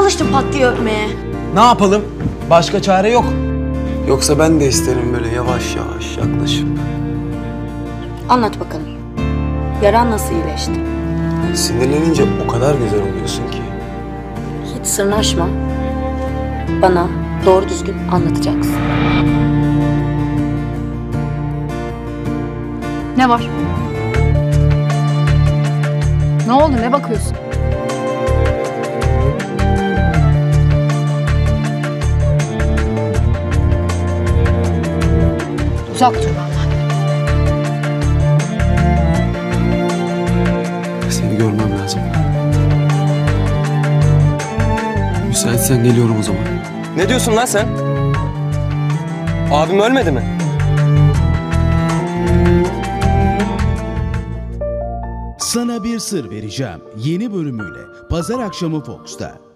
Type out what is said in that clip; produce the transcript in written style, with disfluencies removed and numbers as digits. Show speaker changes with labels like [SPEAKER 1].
[SPEAKER 1] alıştım pat diye öpmeye.
[SPEAKER 2] Ne yapalım? Başka çare yok.
[SPEAKER 3] Yoksa ben de isterim böyle yavaş yavaş yaklaşıp.
[SPEAKER 4] Anlat bakalım. Yaran nasıl iyileşti?
[SPEAKER 3] Sinirlenince o kadar güzel oluyorsun ki.
[SPEAKER 4] Hiç sırnaşma. Bana doğru düzgün anlatacaksın.
[SPEAKER 5] Ne var? Ne oldu? Ne bakıyorsun? Uzak dur benden.
[SPEAKER 3] Seni görmem lazım. Müsaitsen geliyorum o zaman.
[SPEAKER 2] Ne diyorsun lan sen? Abim ölmedi mi?
[SPEAKER 6] Sana bir sır vereceğim. Yeni bölümüyle Pazar akşamı Fox'ta.